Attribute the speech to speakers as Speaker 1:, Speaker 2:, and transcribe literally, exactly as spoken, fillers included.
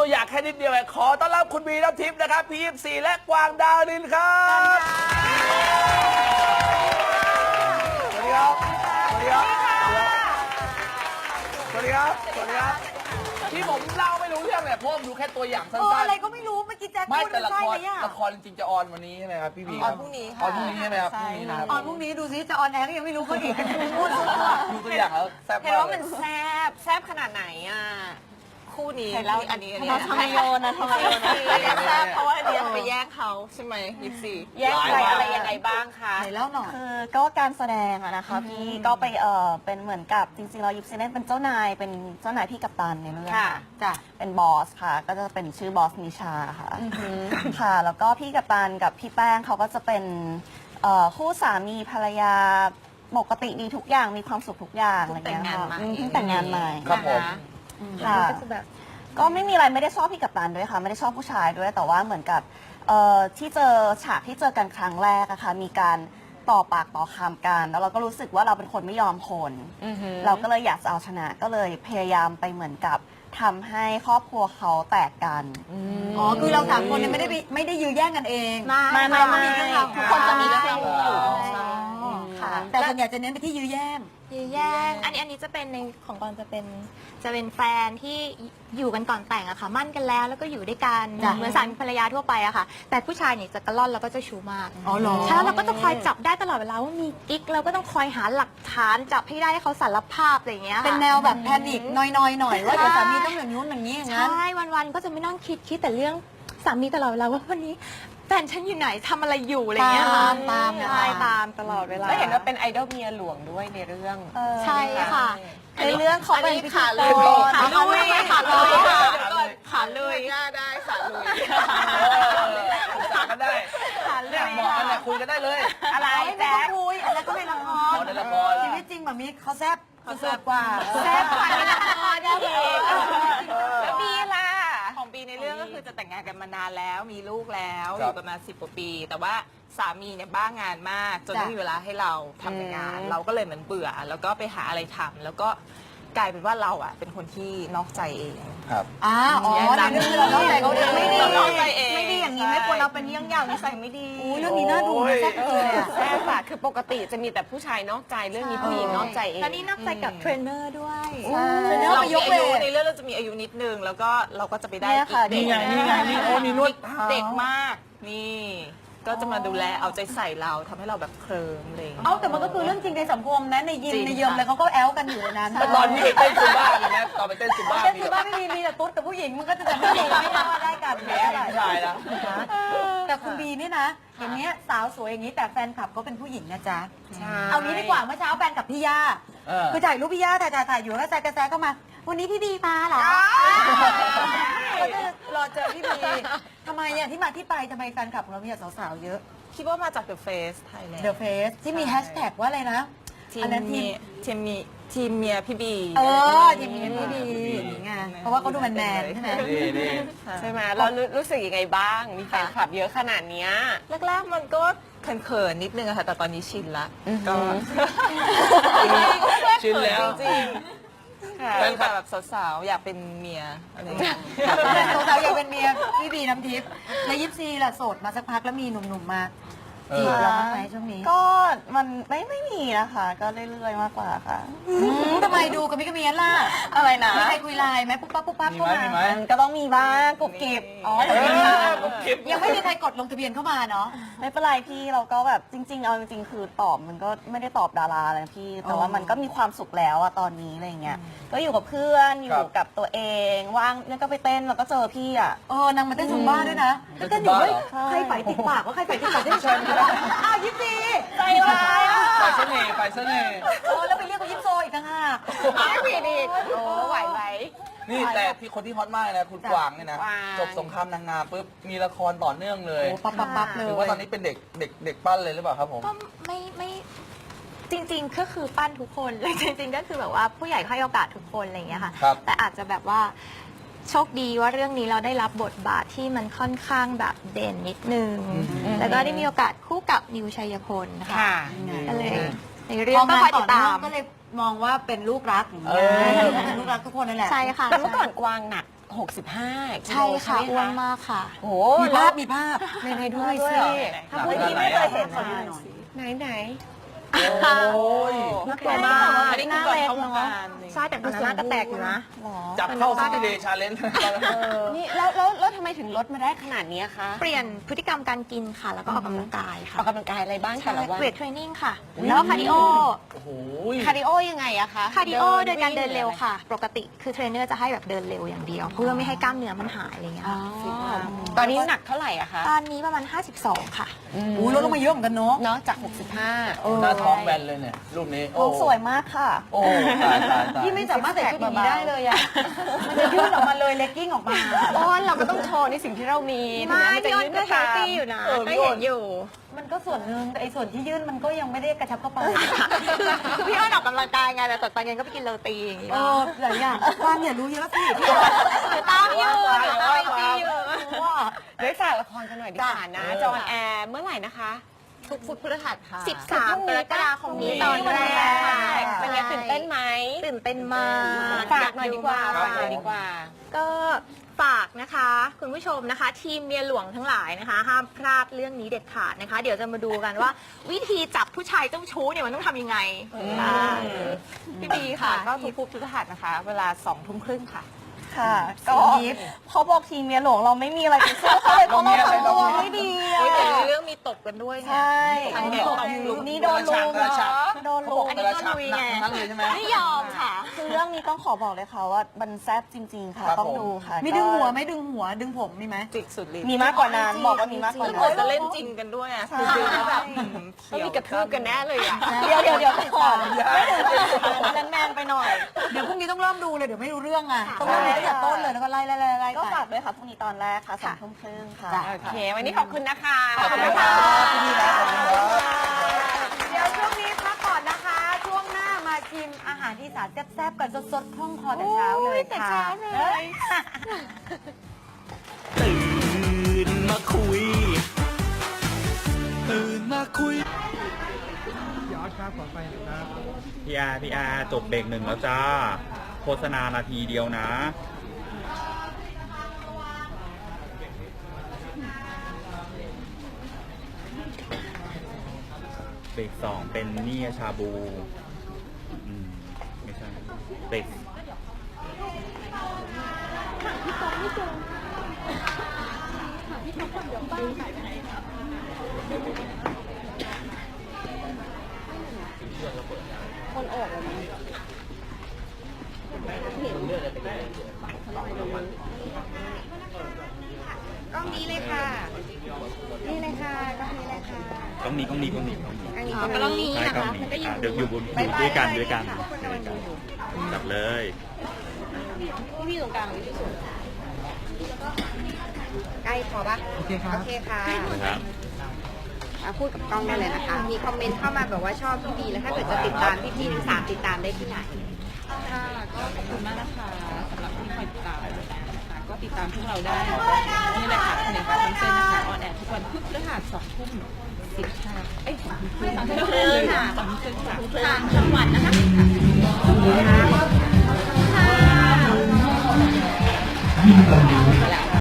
Speaker 1: อย่างแค่นิดเดียวเองขอต้อนรับคุณบีน้ำทิพย์นะครับพียี่สิบสี่และกวางดาวดินครับสวัสดีครับสวัสดีครับสวัสดีครับสวัสดีครับที่ผมเล่าไม่รู้เรื่องเนี่ยเพราะผมดูแค่ตัวอย่างสั้นๆ
Speaker 2: อะไรก็ไม่รู้เมื่อกี้แจ็ค
Speaker 1: ไม่
Speaker 2: พูด
Speaker 1: แต่ละ
Speaker 2: ใช่
Speaker 1: ค
Speaker 2: ไห
Speaker 1: ร
Speaker 2: มอ่ะ
Speaker 1: ละครจริงๆจะออนวันนี้ใช่ไหมครับพี่บี
Speaker 2: ออนพรุ่งนี้ค่ะ
Speaker 1: ออนพรุ่งนี้ใช่ไหมครับพรุ่งนี้นะครับ
Speaker 2: ออนพรุ่งนี้ดูซิจะออนแอร์ก็ยังไม่รู้เขาอีกพูด
Speaker 1: ดูตัวอย่างแล้วแซ่บ
Speaker 3: เห็น
Speaker 1: มาก
Speaker 3: ว่า
Speaker 1: เล
Speaker 3: มั
Speaker 1: ย
Speaker 3: นแซบแซบขนาดไหนอ่ะคู่นี้อันนี้อันนี้
Speaker 2: ทำไมโยนนะทำไมโยนนะ
Speaker 3: แซบเพราะว่าอันนี้ไปแย่งเขาใช่ไหมยิปซีแย่งใครอะไรยังไงบ้างคะ
Speaker 2: ไหนเล่าหน่อย
Speaker 4: คือก็การแสดงอะนะคะพี่ก็ไปเออเป็นเหมือนกับจริงๆเรายิปซีเล่นเป็นเจ้านายเป็นเจ้านายพี่กัปตันในเรื่อง
Speaker 3: ค่ะ
Speaker 2: จ้ะ
Speaker 4: เป็นบอสค่ะ ก็จะเป็นชื่อบอสนิชาค่ะค่ะ แล้วก็พี่กัปตันกับพี่แป้งเขาก็จะเป็นเอ่อคู่สามีภรรยาปกติดีทุกอย่างมีความสุขทุกอย่างอะไรอย่างเงี้ยค่ะอืมเพิ่งแต่งงานใหม่
Speaker 1: ครับผม
Speaker 4: ค่ะ ก็ไม่มีอะไรไม่ได้ชอบพี่กัปตันด้วยค่ะ ไม่ได้ชอบผู้ชายด้วยแต่ว่าเหมือนกับเอ่อที่เจอฉากที่เจอกันครั้งแรกอะค่ะมีการต่อปากต่อคำกัน แล้วเราก็รู้สึกว่าเราเป็นคนไม่ยอมคนเราก็เลยอยากจะเอาชนะก็เลยพยายามไปเหมือนกับทำให้ครอบครัวเขาแตกกัน
Speaker 2: อ๋อคือเราสามคนเนี่ยไม่ได้ไปไม่ได้ยื้อแย่งกันเอง
Speaker 4: ไม่ไม่ไม่
Speaker 2: มีเรื่องราว
Speaker 4: ทุกคนจะมีเรื่องราว
Speaker 2: ค่ะแต่ส่วนใหญ่จะเน้นไปที่ยื้อแย่ง
Speaker 5: ยื้อแย่งอันนี้อันนี้จะเป็นในของกอนจะเป็นจะเป็นแฟนที่อยู่กันก่อนแต่งอะค่ะมั่นกันแล้วแล้วก็อยู่ด้วยกัน
Speaker 2: จ้ะ
Speaker 5: เหมือนสามีภรรยาทั่วไปอะค่ะ แต่ผู้ชายเนี่ยจะกระล่อนแล้วก็เจะชูมาก
Speaker 2: อ๋อเหรอ
Speaker 5: ใช่แล้วเราก็จะคอยจับได้ตลอดเวลาว่ามีกิ๊กเราก็ต้องคอยหาหลักฐานจับให้ได้ให้เขาสารภาพอะไรอย่างเงี้ยค่ะ
Speaker 2: เป็นแนวแบบแพนิคน้อยๆหน่อยว่าเดี๋ยวสามีต้องอย่างนู้นอย่างนี้อย่างนั้น
Speaker 5: ใช่วันๆก็จะไม่ต้องคิดคิดแต่เรื่องสามีตลอดเวลาว่าวันนี้แฟนฉันอยู่ไหนทำอะไรอยู่อะไรอย่างเงี้ยค่ะ
Speaker 2: ตามตามเนี่ย
Speaker 5: ใช่
Speaker 2: ตาม
Speaker 5: ตามตลอดเวลา
Speaker 3: แล้วเห็นว่าเป็นไอดอลเมียหลวงด้วยในเรื่อง
Speaker 5: ใช่ค่ะ
Speaker 4: ในเรื่องเขาเป็นพิธี
Speaker 3: ขาลุ
Speaker 4: ก
Speaker 3: ย
Speaker 4: ร
Speaker 3: ขาลุยขาลุย
Speaker 1: ขาลุย
Speaker 3: ขาลุยได้ขาลุย
Speaker 1: ปรึกษากันได้เนี่ยเหมาะกันเนี่ยคุยกันได้เลย
Speaker 3: อะไร
Speaker 2: ไม่
Speaker 3: แจ๊
Speaker 2: ต้อง
Speaker 3: ค
Speaker 2: คุยอันนั้นก็ในละคร
Speaker 1: อ๋อในละคร
Speaker 2: ชีวิตจริงแบบนี้เขาแซ่บเขาแซ่บกว่า
Speaker 3: แซ่บกว่าในละครได้อีกแล้วบีล่ะของบีในเรื่องก็คือจะแต่งงานกันมานานแล้วมีลูกแล้วอ
Speaker 1: ครับ
Speaker 3: ยู่กันมาสิบกว่าปี แต่ว่าสามีเนี่ยบ้างานมากจน
Speaker 2: จ้ะ
Speaker 3: ไม่มีเวลาให้เราทำแต่งาน เราก็เลยเหมือนเบื่อ แล้วก็ไปหาอะไรทำแล้วก็กลายเป็นว่าเราอ่ะเป็นคนที่นอกใจเอง
Speaker 1: ครับ
Speaker 2: อ่าอ๋อในเรื่องที่เราเล่าใจเขาเอง
Speaker 3: ไม่ดี
Speaker 2: เรา
Speaker 3: นอกใจเอง
Speaker 4: ไม่ดีอย่างนี้ไม่ควรเอาเป็นเยี่ยงอย่างนิสัยไม่ดี
Speaker 2: อุ้ยเรื่องนี้น่าดูนะแซ่บเลยอะ
Speaker 3: แซ่บอะคือปกติจะมีแต่ผู้ชายนอกใจเรื่องนี้ผู้หญิงนอกใจเอง
Speaker 5: แล้วนี่นอกใจกับเทรนเนอร์ด้วย
Speaker 2: ใช่เนื้อ
Speaker 3: เรา
Speaker 2: ไป
Speaker 3: มี
Speaker 2: ยก
Speaker 3: อา
Speaker 2: เว
Speaker 3: ยุ
Speaker 2: ท
Speaker 3: ในเรื่องเราจะมีอายุนิดนึงแล้วก็เราก็จะไปได้
Speaker 4: เนี่ยค่ะ
Speaker 3: อีก
Speaker 1: นี่ไงนี่ไงนี่โอ้มีนวด
Speaker 3: เด็กมากนี่ ก็จะมาดูแลเอาใจใส่เราทำให้เราแบบเคลิ้มอะไรอย่างเลย
Speaker 2: เอาแต่มันก็คือเรื่องจริงในสังคมนะในยิม
Speaker 3: จริง
Speaker 2: ในเยิมอะไรเขาก็แอลกันอยู่ในนั้น
Speaker 1: แต่ตอนนี้เต้นซุมบ้าเลยนะตอนไปเต้นซุมบ้า
Speaker 2: เต้น
Speaker 1: มี
Speaker 2: คือ
Speaker 1: แบบ
Speaker 2: บ้านไม่มีมีแต่ตุ๊ดกับผู้หญิงมันก็จะไม่ดีไม่ได้ว่าได้กันแค่อะไร
Speaker 1: ผู้ชายนะ
Speaker 2: แต่คุณบีนี่นะอย่างเนี้ยสาวสวยอย่างนี้แต่แฟนคลับก็เป็นผู้หญิงนะจ๊ะ
Speaker 3: ใช่
Speaker 2: เอางี้ดีกว่าเมื่อเช้าแฟนกับพี่ย่า
Speaker 1: เออ
Speaker 2: คือถ่ายรูปพี่ย่าถ่ายถ่ายถ่ายอยู่แล้วแซกกระแซกเข้ามา วันนี้พี่บีมาเหรอก็จะรอเจอพี่บีทำไมอ่ะที่มาที่ไปทำไมแฟนคลับของเรามีแต่สาวๆเยอะ
Speaker 3: คิดว่ามาจาก The Face Thailand
Speaker 2: The Face ที่มีแฮชแท็กว่าอะไรนะ
Speaker 3: ทีม
Speaker 2: อันนั้นที
Speaker 3: มี
Speaker 2: ม
Speaker 3: ทีมมีทีมเมียพี่บี
Speaker 2: เออทีมนี้พี่บีอย่างนี้ไงเพราะว่าเขาดูแมนๆใช่ไหม
Speaker 1: นี่นี่
Speaker 3: ใช่ไหมเรารู้รู้สึกยังไงบ้าง มีแฟนคลับเยอะขนาดเนี้ยแรกๆมันก็เขินๆนิดนึงอะค่ะแต่ตอนนี้ชินละก็
Speaker 1: ชินแล้ว
Speaker 3: จริงๆค่ะ
Speaker 1: แฟนคลับ
Speaker 3: แบบสาวๆอยากเป็นเมียอะไรอย่างเงี้ย
Speaker 2: สาวๆอยากเป็นเมียพี่บีน้ำทิพย์ในยิปซีล่ะโสดมาสักพักแล้วมีหนุ่มๆมาจีบเราบ้างไหมช่วงนี้
Speaker 4: ก็มันไม่ไม่มีนะคะ ก็เรื่อยๆมากกว่าค่ะ
Speaker 2: อืมทำไมดูกับพี่กระเมียนล่ะ
Speaker 4: อะไรนะ
Speaker 2: มีใครคุยไลน์ไหมปุ๊บปั๊บปุ๊บปั๊บ
Speaker 1: มี
Speaker 2: เข้า
Speaker 1: ไหม
Speaker 2: มา
Speaker 1: มีไหม
Speaker 4: มันก็ต้องมีบ้างกรุบกริบ
Speaker 2: อ๋อ
Speaker 1: เอ
Speaker 2: ยังไม่มี
Speaker 1: อผมคลิป
Speaker 2: ยังไม่มีใครกดลงทะเบียนเข้ามาเนาะ
Speaker 4: ไม่เป็นไรพี่เราก็แบบจริง ๆ เอาจริงๆคือตอบมันก็ไม่ได้ตอบดาราอะไรนะพี่ แต่ว่ามันก็มีความสุขแล้วอะตอนนี้อะไรเงี้ยก็อยู่กับเพื่อนอยู่กับตัวเองว่างเนี่ยก็ไปเต้นแล้วก็เจอพี่อะ
Speaker 2: เออนางมาเต้นซุมบ้าด้วยนะ
Speaker 1: เต้น
Speaker 2: เต้นอยู่
Speaker 1: ซุมบ้า
Speaker 2: เฮ้ย
Speaker 1: เหรอ
Speaker 2: ใครไฝติดปากว่าใครไฝติดปากได้ไม่ใช่อ้าวยิปซีใจร้ายอ่ะ
Speaker 1: ไปเสน่ห์ไปเสน่ห์
Speaker 2: โอ้แล้วไปเรียกว่ายิปโซอีกต่างหาก
Speaker 3: ไม่ผิดอีกโอ้ไหวไหม
Speaker 1: นี่แต่ที่คนที่ฮอตมากเลยนะคุณกวางเนี่ยนะ
Speaker 3: กวาง
Speaker 1: จบสงครามนางงามปุ๊บมีละครต่อเนื่องเลย
Speaker 2: โอ้ปั๊บปั๊บปั๊บเลย
Speaker 1: ถือว่าตอนนี้เป็นเด็กเด็กเด็กปั้นเลยหรือเปล่าครับผม
Speaker 5: ก็ไม่ไม่จริงๆก็คือปั้นทุกคน เลยจริงๆก็คือแบบว่าผู้ใหญ่ให้โอกาสทุกคนอะไรอย่างเงี้ยค่ะ
Speaker 1: ครับ
Speaker 5: แต่อาจจะแบบว่าโชคดีว่าเรื่องนี้เราได้รับบทบาทที่มันค่อนข้างแบบเด่นนิดนึง แล้วก็ได้มีโอกาสคู่กับนิวชัยพลค่ะ
Speaker 3: ค่ะ
Speaker 5: ก็เลยใน
Speaker 2: พ
Speaker 5: เรื่อง
Speaker 2: อ
Speaker 5: ก็
Speaker 2: มา
Speaker 5: คอย
Speaker 2: ต่
Speaker 5: ติ
Speaker 2: อ
Speaker 5: ด
Speaker 2: เนื่
Speaker 5: ตา
Speaker 2: อง
Speaker 5: ม
Speaker 2: ก็เลยมองว่าเป็นลูกรักอย่างเงี้
Speaker 1: เอย อ
Speaker 2: เป็นลูกรักทุกคนนั่นแหละ
Speaker 5: ใช่ค่ะ
Speaker 3: แต่เมื่อก่อนกวางหนักโหหกสิบห้ากิโล
Speaker 5: ใช่ค่ะ
Speaker 3: ไหม
Speaker 5: อ้วนมากค่ะ
Speaker 3: โอ้
Speaker 2: มีภาพมีภาพ
Speaker 3: ในในด้วยสิ
Speaker 1: หนักขนาดไหนอะ
Speaker 3: ไหนไหน
Speaker 1: โอ้ย
Speaker 3: น่ากลัวมากอันนี้คือก่อนเข้าวงการ
Speaker 5: ใช่แต่ดูหน้าก็แตกอยู่นะ
Speaker 1: จับเข้าซิตี้เดย์ชาเลนจ์
Speaker 3: นี่แล้วแล้วแล้วทำไมถึงลดมาได้ขนาดนี้คะ
Speaker 5: เปลี่ยนพฤติกรรมการกินค่ะ แล้วก็ออกกำลังกาย
Speaker 3: อ
Speaker 5: ค่ะ
Speaker 3: อกกำลังกายอะไรบ้างแต่ละวัน
Speaker 5: เวทเทรนนิ่งค่ะ แล้วก็คาร์ดิโอ
Speaker 1: โอ้โห
Speaker 3: คาร์ดิโอยังไงอะคะ
Speaker 5: คาร์ดิโอโดยการเดินเร็วค่ะ ปกติคือเทรนเนอร์จะให้แบบเดินเร็วอย่างเดียว เพื่อไม่ให้กล้ามเนื้อมันหายอะไรเงี้ย
Speaker 3: อ๋อ
Speaker 5: ค่ะ
Speaker 3: ตอนนี้หนักเท่าไหร่อะคะ
Speaker 5: ตอนนี้ประมาณ ห้าสิบสอง ค่ะ
Speaker 2: อู้ลดลงมาเยอะเหมือนกันเนาะ
Speaker 3: เนาะจาก หกสิบห้า
Speaker 1: หน้าท้องแบนเลยเนี่ย รูปนี้
Speaker 4: ท้องสวยมากค่ะ
Speaker 1: โอ้ตายตายตาย
Speaker 2: พี่ไม่สามารถใส่ชุดอย่างนี้ได้เลยอ่ะ มันจะยื่นออกมาเลยเลกกิ้งออกมา
Speaker 3: อ้อนเราก็ต้องโชว์ในสิ่งที่เรามี
Speaker 5: ไม่
Speaker 3: ถึงแนจะ
Speaker 5: พี่อ้น
Speaker 3: ยื่
Speaker 5: ก็
Speaker 3: ไป
Speaker 5: เฮล
Speaker 3: ตาม
Speaker 5: ตี้อยู่นะ
Speaker 1: เออ
Speaker 5: ก็
Speaker 1: พี่อ้
Speaker 5: เห็
Speaker 1: น
Speaker 5: นอยู่
Speaker 2: มันก็ส่วนหนึ่งแต่ไอ้ส่วนที่ยื่นมันก็ยังไม่ได้กระชับเข้าไป
Speaker 5: คือคือพี่อ้นออกกำลังกายไงแต่ตอนเย็นก็ไปกินโรตีอย่างงี้
Speaker 2: เออหลายอย่างความอย่ารู้เยอะสิพี่
Speaker 5: เดี๋ยวตามอยู่เดี๋ยวตามอยู่
Speaker 2: ว่า
Speaker 3: เดี๋ยวฝากละครกันหน่อยดีกว่านะ
Speaker 1: จ้ะ
Speaker 3: จออนแอร์เมื่อไหร่นะคะ ทุกฟุตพฤหัสค่ะ
Speaker 5: สิบสามกรกฎาคมนี้ตอนแรก
Speaker 3: เป็นไงตื่นเต้นไหม
Speaker 5: ตื่นเต้นมาก
Speaker 3: ฝากหน่อยดีกว่า
Speaker 5: อย
Speaker 3: ฝากหน่อยดีกว่า
Speaker 5: ก็ฝากนะคะ คุณผู้ชมนะคะ ทีมเมียหลวงทั้งหลายนะคะ ห้ามพลาดเรื่องนี้เด็ดขาดนะคะ เดี๋ยวจะมาดูกันว่า วิธีจับผู้ชายเจ้าชู้เนี่ยมันต้องทำยังไงค่ะ
Speaker 3: พี่บีค่ะ ก็ทุกฟุตพฤหัสนะคะ เวลาสองทุ่มครึ่งค่ะ
Speaker 4: ค่ะ ก็เขาบอกทีมเมียหลวงเราไม่มีอะไรจะสู้เขาเลยเพราะเราทำตัวไม่ดีอะ
Speaker 3: โอ้ยแต่ในเรื่องมีตบกันด้วยไง
Speaker 4: ใช่
Speaker 3: ทั้งเด็กตบลุม
Speaker 4: นี่โดนลุม
Speaker 1: กระชับ
Speaker 4: โดน
Speaker 1: เขา
Speaker 4: ลุ
Speaker 1: บอก
Speaker 4: ม
Speaker 5: อันนี้
Speaker 1: กระ
Speaker 5: ก็
Speaker 1: ชับ
Speaker 5: ลุย
Speaker 1: หนัก
Speaker 5: ไง
Speaker 1: ทั้งนั้นเลยใช่ไหม
Speaker 5: ไม่ยอมค่ะ
Speaker 4: คือเรื่องนี้ต้องขอบอกเลยค่ะว่ามันแซ่บจริง ๆ ค่ะ
Speaker 1: ครับ
Speaker 4: ต้อง
Speaker 1: ผม
Speaker 4: ดูค่ะ
Speaker 2: มีดึงหัวไหมดึงหัวดึงผมมีไหม
Speaker 3: จิกสุดฤทธิ์
Speaker 4: มีมากกว่านั้นบอกว่ามีมากกว่า
Speaker 3: คือ
Speaker 4: นั้
Speaker 3: เหมือน
Speaker 4: น
Speaker 3: จะเล่นจริงกันด้วยอ่ะคือดูแล้วแบบต้องมีกระทืบกันแน่เลยอ่ะ
Speaker 4: เดี๋ยวเดี๋ยวเดี๋ยวก่อนไม่ถึงจะแมนๆไปหน่อย
Speaker 2: เดี๋ยวพรุ่งนี้ต้องเริ่มดูเลยเดี๋ยวไม่รู้เรื่องอ่ะต้องเริ่มดูตั้งแต่ต้นเลยแล้วก็ไล่ไล่ไล่ไล่
Speaker 4: ก็
Speaker 2: ไป
Speaker 4: ฝากด้วยค่ะพรุ่งนี้ตอนแรกค่ะสองทุ่มครึ่งค่ะ
Speaker 3: โอเค วันนี้ขอบคุณนะคะ
Speaker 1: ขอบคุณนะคะพี่บีนะขอบคุณครับ
Speaker 2: เดี๋ยวช่วงนี้พักก่อนนะคะ ช่วงหน้ามาชิมอาหารอีสานแซ่บๆกันสดๆคล่องคอแต่เช้าเลยค่ะ
Speaker 6: ตื่นมาคุย ตื่นมาคุย
Speaker 7: พี่อาร์พี่อาร์จบเบรกหนึ่งแล้วจ้า โฆษณานาทีเดียวนะ เบรกสองเป็นนี่ชาบู อืม ไม่ใช่ เบรกต้องนี้ต้องนี้ต้องนี้ต้องนี้
Speaker 5: อ๋อก็ต้องนี้
Speaker 7: ใช่
Speaker 5: นะ
Speaker 7: ต้อง
Speaker 5: คะ
Speaker 7: นี้
Speaker 5: มันก็อยู่
Speaker 7: อ่ะเดี๋ยวอยู่บนอยู่ด้วยกันด้วยกันด้วยกันจับเลย
Speaker 3: พี่ตรงกลางที่สุด
Speaker 8: ใกล้พอปะโอเคค่ะ โอเคค่ะ
Speaker 7: นะครับ
Speaker 8: อ่ะพูดกับกล้องได้เลยนะคะ มีคอมเมนต์เข้ามาแบบว่าชอบพี่บีแล้วถ้าเกิดจะติดตามพี่บีทั้งสามติดตามได้ที่ไหน
Speaker 3: ค่ะก็ขอบคุณมากนะคะสำหรับที่คอยติดตามนะคะก็ติดตามพวกเราได้นี่แหละค่ะในข่าวเส้นนะคะออนแอร์ทุกวันพุธพฤหัสสองทุ่ม